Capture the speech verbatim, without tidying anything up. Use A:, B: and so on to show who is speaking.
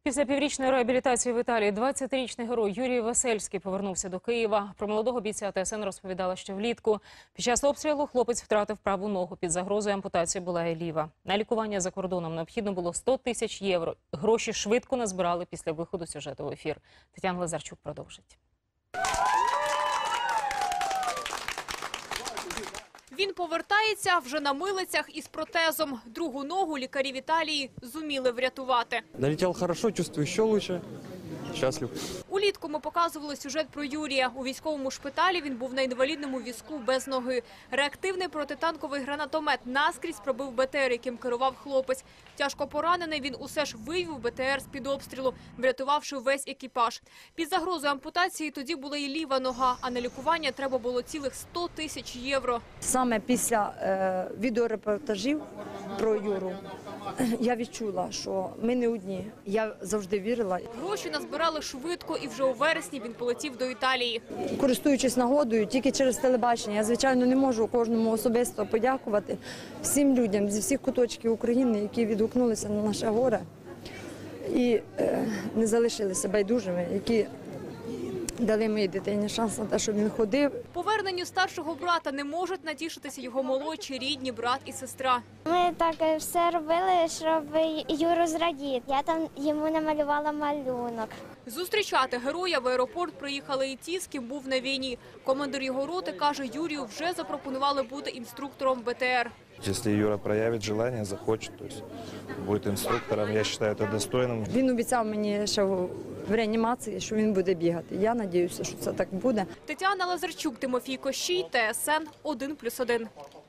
A: Після піврічної реабілітації в Італії двадцятирічний герой Юрій Весельський повернувся до Києва. Про молодого бійця ТСН розповідала ще влітку. Під час обстрілу хлопець втратив праву ногу. Під загрозою ампутації була і ліва. На лікування за кордоном необхідно було сто тисяч євро. Гроші швидко назбирали після виходу сюжету в ефір. Тетяна Лазарчук продовжить.
B: Він повертається вже на милицях із протезом. Другу ногу лікарі в Італії зуміли врятувати.
C: Налетел хорошо, чувствую еще лучше. Счастлив.
B: Улітку ми показували сюжет про Юрія. У військовому шпиталі він був на інвалідному візку без ноги. Реактивний протитанковий гранатомет наскрізь пробив БТР, яким керував хлопець. Тяжко поранений, він усе ж вивів БТР з-під обстрілу, врятувавши весь екіпаж. Під загрозою ампутації тоді була і ліва нога, а на лікування треба було цілих сто тисяч євро.
D: Саме після е, відеорепортажів про Юру я відчула, що ми не одні. Я завжди вірила.
B: Гроші назбирали швидко, і вже у вересні він полетів до Італії.
D: Користуючись нагодою, тільки через телебачення, я, звичайно, не можу кожному особисто подякувати всім людям зі всіх куточків України, які відгукнулися на наше горе і е, не залишилися байдужими, які дали моїй дитині шанс на те, щоб він ходив.
B: Поверненню старшого брата не можуть натішитися його молодші рідні брат і сестра.
E: Ми так все робили, щоб Юру зрадіти. Я там йому намалювала малюнок.
B: Зустрічати героя в аеропорт приїхали і ті, з ким був на війні. Командир його роти каже, Юрію вже запропонували бути інструктором БТР.
C: Если Юра проявит желание, захочет, то есть будет инструктором, я считаю это достойным.
D: Він обіцяв мені ще в реанімації, що він буде бігати. Я сподіваюся, що це так буде.
B: Тетяна Лазарчук, Тимофій Кощій, ТСН один плюс один.